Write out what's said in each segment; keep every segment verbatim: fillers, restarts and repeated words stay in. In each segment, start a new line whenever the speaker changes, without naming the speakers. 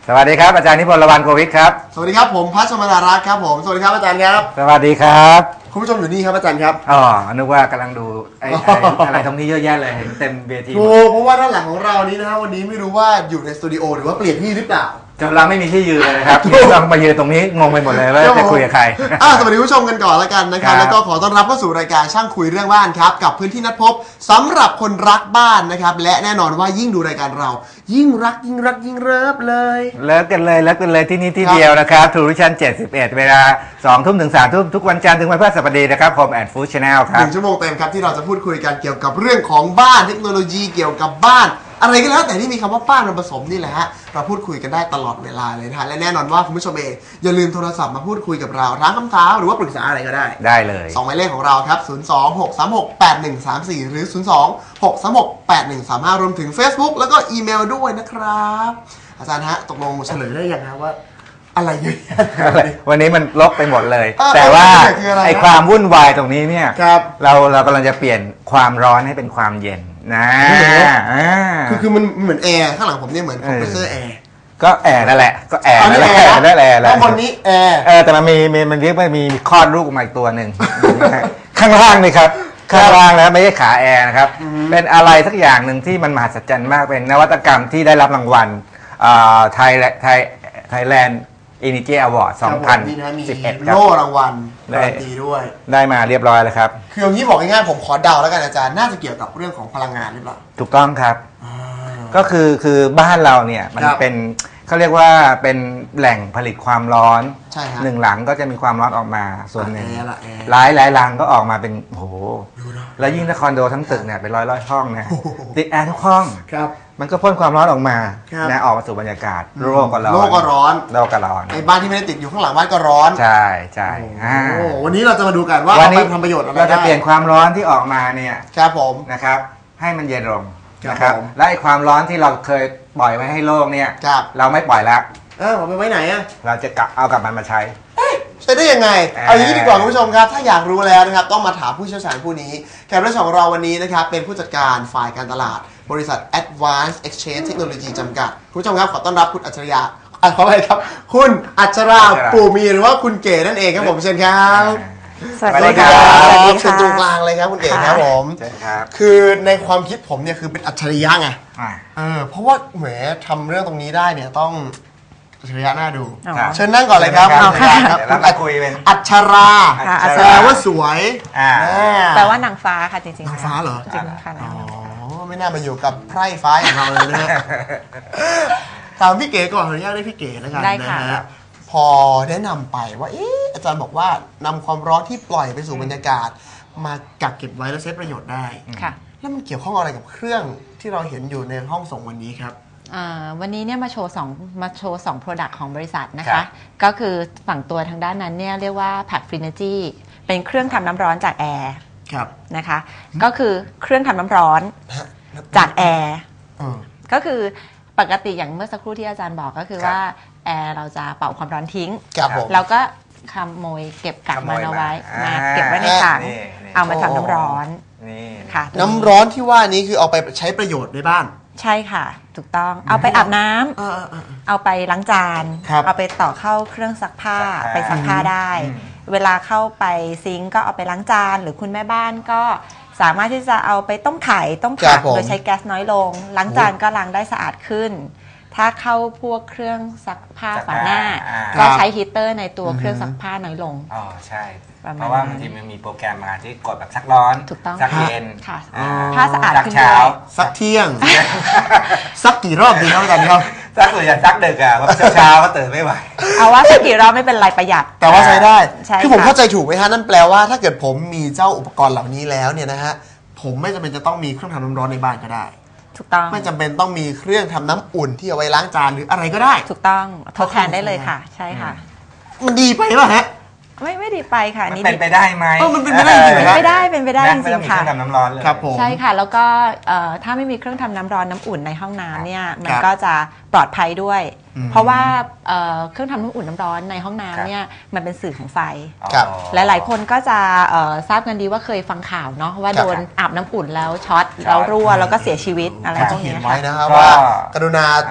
สวัสดีครับอาจารย์นิพนธ์ ระวันโกวิทครับ
สวัสดีครับผมพัชรมนารักษ์ครับผมสวัสดีครับอาจารย์ครับ
สวัสดีครับ
คุณผู้ชมอยู่นี่ครับอาจารย์ครับ
อ๋อนึกว่ากำลังดูไอ้อะไรตรงนี้เยอะแยะเลยเห็นเต็มเวที
โอ้เพราะว่าด้านหลังของเรานี้นะฮะวันนี้ไม่รู้ว่าอยู่ในสตูดิโอหรือว่าเปลี่ยนที่หรือเปล่า
จนเราไม่มีที่ยืนเลยนะครับเรามายืนตรงนี้งงไปหมดเลยว่าจะคุยกับใคร
สวัสดีผู้ชมกันก่อนแล้วกันนะครับแล้วก็ขอต้อนรับเข้าสู่รายการช่างคุยเรื่องบ้านครับกับพื้นที่นัดพบสำหรับคนรักบ้านนะครับและแน่นอนว่ายิ่งดูรายการเรายิ่งรักยิ่งรักยิ่งเลิฟเลย
เลิฟกันเลยเลิฟกันเลยที่นี่ที่เดียวนะครับทูริชันเจ็ดสิบเอ็ดเวลาสองทุ่มถึงสามทุ่มทุกวันจันทร์ถึงวันพฤหัสบดีนะครับHome and Food Channel ครับ
หนึ่งชั่วโมงเต็มครับที่เราจะพูดคุยกันเกี่ยวกับเรื่องของบ้านเทคโนโลยีเกี่ยวกับบ้านอะไรก็แล้วแต่ที่มีคำว่าบ้านมาผสมนี่แหละฮะเราพูดคุยกันได้ตลอดเวลาเลยนะฮะและแน่นอนว่าคุณผู้ชมเองอย่าลืมโทรศัพท์มาพูดคุยกับเราถามคำถามหรือว่าปรึกษาอะไรก็ได้
ได้เลย
สองหมายเลขของเราครับศูนย์ สอง หก สาม หก แปด หนึ่ง สาม สี่หรือศูนย์ สอง หก สาม หก แปด หนึ่ง สาม ห้ารวมถึง Facebook แล้วก็อีเมลด้วยนะครับอาจารย์ฮะตกลงเฉลยได้ยังครับว่าอะไรเยอะ
วันนี้มันลบไปหมดเลยแต่ว่าไอ้ความวุ่นวายตรงนี้เนี่ยเราเรากำลังจะเปลี่ยนความร้อนให้เป็นความเย็นนะ
คือคือมันเหมือนแอร์ข้างหลังผมเนี่ยเหมือนคอมเพรสเซอร์แอร์
ก็แอร์นั่นแหละก็แอร์นั่นแหละนั่นแหละ
แล้วบนนี้แอร์
เออแต่มันมีมันเรียกว่ามีคลอดลูกออกมาอีกตัวหนึ่งข้างล่างนี่ครับข้างล่างนะไม่ใช่ขาแอร์นะครับเป็นอะไรสักอย่างหนึ่งที่มันมหัศจรรย์มากเป็นนวัตกรรมที่ได้รับรางวัลไทยไทยไทยแลนด์Energy Award สองพันสิบเอ็ดครับ
โล่รางวัลการันตีด้วย
ได้มาเรียบร้อยแล้วครับ
คืออย่างนี้บอกง่ายๆผมขอเดาแล้วกันอาจารย์น่าจะเกี่ยวกับเรื่องของพลังงานหรือเปล่า
ถูกต้องครับก็คือคือบ้านเราเนี่ยมันเป็นเขาเรียกว่าเป็นแหล่งผลิตความร้อนหนึ่งหลังก็จะมีความร้อนออกมาส่วนหนึ่งหลายหลายหลังก็ออกมาเป็นโอ้โหแล้วยิ่งถ้าคอนโดทั้งตึกเนี่ยเป็นร้อยร้อยห้องนะติดแอร์ทุกห้องมันก็พ่นความร้อนออกมานะออกมาสู่บรรยากาศโลกก็ร้อน
โลกก็ร้อน
โลกก็ร้อน
ไอ้บ้านที่ไม่ได้ติดอยู่ข้างหลังบ้านก็ร้อน
ใช่ใช่
โอ้วันนี้เราจะมาดูกันว่าเอาไปทำประโยชน์อะไร
เราจะเปลี่ยนความร้อนที่ออกมาเนี่ย
ครับผม
นะครับให้มันเย็นลงนะครับและไอ้ความร้อนที่เราเคยปล่อยไว้ให้โลกเนี่ยเราไม่ปล่อยแล้ว
เออผมไปไว้ไหนอะ
เราจะกลับเอากลับมันมาใช้
ใช้ได้ยังไงเอาอย่างนี้ดีกว่าคุณผู้ชมครับถ้าอยากรู้แล้วนะครับต้องมาถามผู้เชี่ยวชาญผู้นี้แขกรับเชิญของเราวันนี้นะครับเป็นผู้จัดการฝ่ายการตลาดบริษัท Advanced Exchange Technology จำกัดคุณผู้ชมครับขอต้อนรับคุณอัจฉริยะขออภัยครับคุณอัจฉราปู่มีหรือว่าคุณเก๋นั่นเองครับผมเชิญครับ
สวัสดีครับ
เป็นตรงกลางเลยครับคุณเก๋ครับผมคือในความคิดผมเนี่ยคือเป็นอัจฉริยะไงเออเพราะว่าแหมทำเรื่องตรงนี้ได้เนี่ยต้องอัจฉริยะน่าดูเชิญนั่งก่อนเลยครับ
แล้วมาคุยเป็น
อัจฉราแปลว่าสวย
แปลว่านางฟ้าค่ะจริงๆ
นางฟ้าเหรอ
จริงค่ะ
อ๋อไม่น่ามาอยู่กับไพร่ฟ้าอย่างเราเลยนะถามพี่เก๋ก่อนขออนุญาตได้พี่เก๋แล้วกันนะฮะพอแนะนำไปว่าเอออาจารย์บอกว่านำความร้อนที่ปล่อยไปสู่บรรยากาศมากักเก็บไว้แล้วใช้ประโยชน์ได้
ค่ะ
แล้วมันเกี่ยวข้องอะไรกับเครื่องที่เราเห็นอยู่ในห้องส่งวันนี้ครับ
วันนี้เนี่ยมาโชว์สองมาโชว์สอง Product ของบริษัทนะคะก็คือฝั่งตัวทางด้านนั้นเนี่ยเรียกว่า Pack Finergy เป็นเครื่องทำน้ำร้อนจากแอร์นะคะก็คือเครื่องทำน้ำร้อนจากแอร์ก็คือปกติอย่างเมื่อสักครู่ที่อาจารย์บอกก็คือว่าแอร์เราจะเป่าความร้อนทิ้งแล้วก็ขโมยเก็บกักมันเอาไว้มาเก็บไว้ในถังเอามาทำน้ำร้อน
ค่ะน้ำร้อนที่ว่านี้คือเอาไปใช้ประโยชน์ในบ้าน
ใช่ค่ะถูกต้องเอาไปอาบน้ำเอาไปล้างจานเอาไปต่อเข้าเครื่องซักผ้าไปซักผ้าได้เวลาเข้าไปซิงก์ก็เอาไปล้างจานหรือคุณแม่บ้านก็สามารถที่จะเอาไปต้มไข่ต้มผักโดยใช้แก๊สน้อยลงล้างจานก็ล้างได้สะอาดขึ้นถ้าเข้าพวกเครื่องซักผ้าฝาหน้าก็ใช้ฮีเตอร์ในตัวเครื่องซักผ้าน้อยลง
อ๋อใช่เพราะว่าบางทีมันมีโปรแกรมมาที่กดแบบซักร้อนซักเย็น
ผ้าสะอาดขึ้น
เช้า
ซักเที่ยงซักกี่รอบดีครับอาจารย์ครับ
ซักส่วนใหญ่ซักดึกอ่ะเพราะเช้าก็ตื่นไม่ไหว
เอาว่าสักกี่รอบไม่เป็นไรประหยัด
แต่ว่าใช้ได้คือผมเข้าใจถูกไหมฮะนั่นแปลว่าถ้าเกิดผมมีเจ้าอุปกรณ์เหล่านี้แล้วเนี่ยนะฮะผมไม่จำเป็นจะต้องมีเครื่องทำน้ำร้อนในบ้านก็ได้
ถูกต้อง
ไม่จำเป็นต้องมีเครื่องทำน้ำอุ่นที่เอาไว้ล้างจานหรืออะไรก็ได้
ถูกต้องทดแทนได้เลยค่ะใช่ค่ะ
มันดีไปป่ะฮะ
ไม่ไม่ดีไปค่ะ
นี่เป็นไปได้ไหม
มันเป็นไปได้จริง
ๆไม่ได้เป็นไปได้จริงๆค่ะ
เครื่องทำน้ำร้อนเลย
ครับผม
ใช่ค่ะแล้วก็ถ้าไม่มีเครื่องทำน้ำร้อนน้ำอุ่นในห้องน้ำเนี่ยมันก็จะปลอดภัยด้วยเพราะว่าเครื่องทำน้ำอุ่นน้ำร้อนในห้องน้ำเนี่ยมันเป็นสื่อของไฟหลายๆคนก็จะทราบกันดีว่าเคยฟังข่าวเนาะว่าโดนอาบน้ำอุ่นแล้วช็อตแล้วรั่วแล้วก็เสียชีวิตอะไรพวกนี้ค่ะ
ไว้นะครับว่ากรุณาติด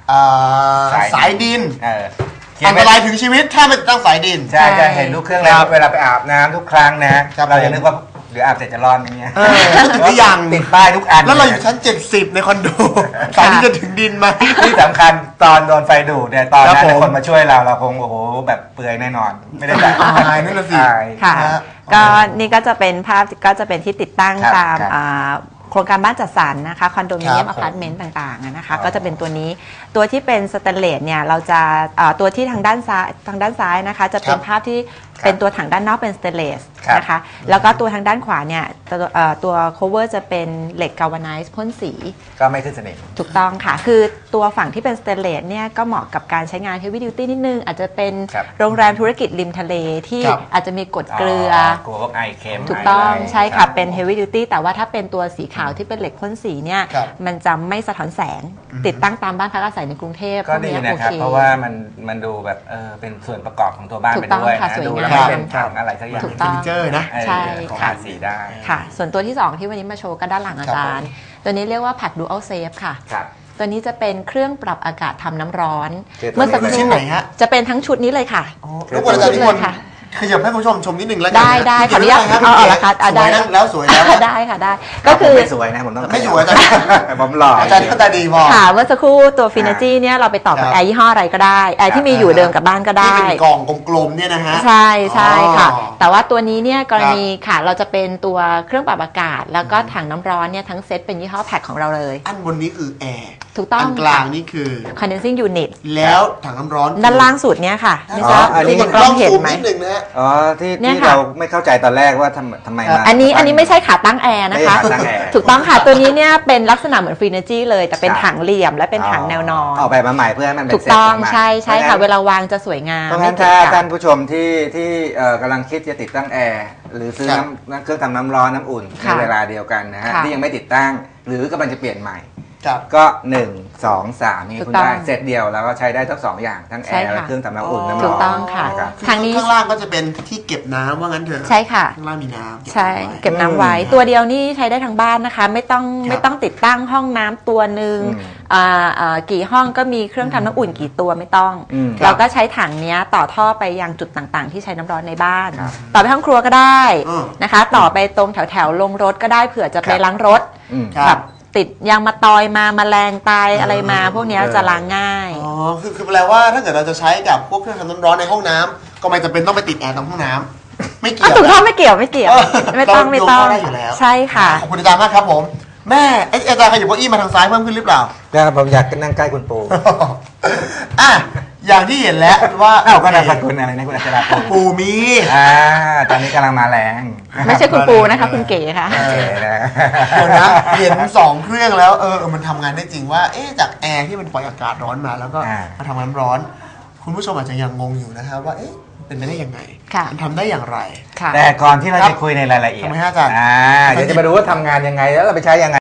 สายดิน
เออ
อันตรายถึงชีวิตถ้าไม่ตั้งสายดิน
ใช่จะเห็นลูกเครื่องแล้วเวลาไปอาบน้ำทุกครั้งนะเราจะนึกว่าหรืออาบเสร็จจะรอดอย่างเงี้ย
ทุกอย่าง
ติดป้ายทุกอัน
แล้วเราอยู่ชั้นเจ็ดสิบในคอนโดสายที่จะถึงดินไหม
ที่สำคัญตอนโดนไฟดูดเนี่ยตอนนั้นคนมาช่วยเราเราคงโอ้โหแบบเปลือยแน่นอนไม่ได้แบบ
ตายนั่นแหละสิ
ค่ะก็นี่ก็จะเป็นภาพก็จะเป็นที่ติดตั้งตามโครงการบ้านจัดสรรนะคะคอนโดมิเนียมอพาร์ตเมนต์ต่างๆนะคะก็จะเป็นตัวนี้ตัวที่เป็นสแตนเลสเนี่ยเราจะตัวที่ทางด้านซ้ายทางด้านซ้ายนะคะจะเป็นภาพที่เป็นตัวถังด้านนอกเป็นสเตนเลสนะคะแล้วก็ตัวทางด้านขวาเนี่ยตัวตัว cover จะเป็นเหล็กกาลวาไนซ์พ่นสี
ก็ไม่ขึ้นสนิม
ถูกต้องค่ะคือตัวฝั่งที่เป็นสเตนเลสเนี่ยก็เหมาะกับการใช้งาน heavy duty นิดนึงอาจจะเป็นโรงแรมธุรกิจริมทะเลที่อาจจะมีกรดเกลือก
ลัวพวกไอเค็ม
ถูกต้องใช่ค่ะเป็น heavy duty แต่ว่าถ้าเป็นตัวสีขาวที่เป็นเหล็กพ่นสีเนี่ยมันจะไม่สะท้อนแสงติดตั้งตามบ้านพักอาศัยในกรุงเทพ
ก็ดีนะครับเพราะว่ามันมันดูแบบเออเป็นส่วนประกอบของตัวบ้านไปด้วยนะดูแล้วไม่เป็นถังอะไรสักอย่าง
ถูกต้องใช่
ค่ะสีได้
ค่ะส่วนตัวที่สองที่วันนี้มาโชว์ก็ด้านหลังอาจารย์ตัวนี้เรียกว่า Pack Dual Safe ค่ะตัวนี้จะเป็นเครื่องปรับอากาศทำน้ำร้อน
เมื่อสักครู่
จะเป็นทั้งชุดนี้เลยค่ะ
ทุกคนอาจารย์ทุกคนขยับให้คุณผู้ชมชมนิดนึงแล้วกัน
ได้ได้ขออนุญาต
เอาละครับได้แล้วสวยแล้ว
ได้ค่ะได้ก็คือ
ไม่สวยนะผมต้อง
ไม่สวยอาจารย์
ผมหล่อ
อาจารย์ตาดีพอ
ค่ะเมื่อสักครู่ตัวฟินาจีเนี่ยเราไปต่อกับแอร์ยี่ห้ออะไรก็ได้แอร์ที่มีอยู่เดิมกับบ้านก็ได้
ที่เป็นกล่องกลมๆเนี่ยนะฮะ
ใช่ใช่ค่ะแต่ว่าตัวนี้เนี่ยกรณีค่ะเราจะเป็นตัวเครื่องปรับอากาศแล้วก็ถังน้ำร้อนเนี่ยทั้งเซตเป็นยี่ห้อแพ็คของเราเลย
อันบนนี้คือแอร์
ถูกต้อง
อันกลางนี่คือ
condensing unit
แล้วถังน้ำร้อน
ด้านล่างสุดเนี่ยค่ะ
ไม่ทราบอันนี้กล้องเห็นไหม
อ๋อที่ที่เราไม่เข้าใจตอนแรกว่าทำทำไมมา
อันนี้อันนี้ไม่ใช่ขาตั้งแอร์นะคะถูกต้องค่ะตัวนี้เนี่ยเป็นลักษณะเหมือนฟรีเนจีเลยแต่เป็นถังเหลี่ยมและเป็นถังแนวนอน
ออกแบบมาใหม่เพื่อให้มัน
ถูกต้องใช่ใช่ค่ะเวลาวางจะสวยงาม
เพราะงั้นถ้าท่านผู้ชมที่ที่กำลังคิดจะติดตั้งแอร์หรือซื้อน้ำเครื่องทำน้ำร้อนน้ำอุ่นในเวลาเดียวกันนะฮะที่ยังไม่ติดตั้งหรือกำลังจะเปลี่ยนใหม่ก็หนึ่ง สอง สามนี่คุณได้เซตเดียวแล้วก็ใช้ได้ทั้งสองอย่างทั้งแอร์และเครื่องทำน้ำอุ่นน้ำร้อน
ถูกต้องค่ะ
ทางนี้ข้างล่างก็จะเป็นที่เก็บน้ำว่างั้นเถอะ
ใช่ค่ะ
ข้างล่างมีน้ำ
ใช่เก็บน้ำไว้ตัวเดียวนี่ใช้ได้ทั้งบ้านนะคะไม่ต้องไม่ต้องติดตั้งห้องน้ำตัวหนึ่งกี่ห้องก็มีเครื่องทำน้ำอุ่นกี่ตัวไม่ต้องเราก็ใช้ถังนี้ต่อท่อไปยังจุดต่างๆที่ใช้น้ำร้อนในบ้านต่อไปห้องครัวก็ได้นะคะต่อไปตรงแถวๆลงรถก็ได้เผื่อจะไปล้างรถแบบติดยางมาตอยมาแมลงตายอะไรมาพวกนี้จะล้างง่าย
อ๋อคือคือแปลว่าถ้าเกิดเราจะใช้กับพวกเครื่องทำน้ำร้อนในห้องน้ำก็ไม่จำเป็นต้องไปติดแอร์ตรงห้องน้ำไม่เกี่ยว
ถูกต้องไม่เกี่ยวไม่เกี่ยวไม่ต้องไม่ต้องใช่ค่ะ
ขอบคุณอาจารย์มากครับผมแม่อาจารย์ขยับเก้าอี้มาทางซ้ายเพิ่มขึ้นหรือเปล่า
ครับผมอยากนั่งใกล้คุณปู
อ่ะอย่างที่เห็นแล้วว่า
อ้าวก็นามสกุลอะไรนะคุณอัจฉริยะ
ปูมี
อ่าตอนนี้กำลังมาแรง
ไม่ใช่คุณปูนะคะคุณเก๋ค่ะ
เก๋นะ
เดี๋ยวนะเห็นสองเครื่องแล้วเออมันทำงานได้จริงว่าเอ๊ะจากแอร์ที่มันปล่อยอากาศร้อนมาแล้วก็มาทำน้ำร้อนคุณผู้ชมอาจจะยังงงอยู่นะครับว่าเอ๊ะเป็นไปได้ยังไงมันทำได้อย่างไร
แต่ก่อนที่เราจะคุยในรายละเอียด
ทำไมฮะอาจารย์
เดี๋ยวจะมาดูว่าทำงานยังไงแล้วเราไปใช้ยังไง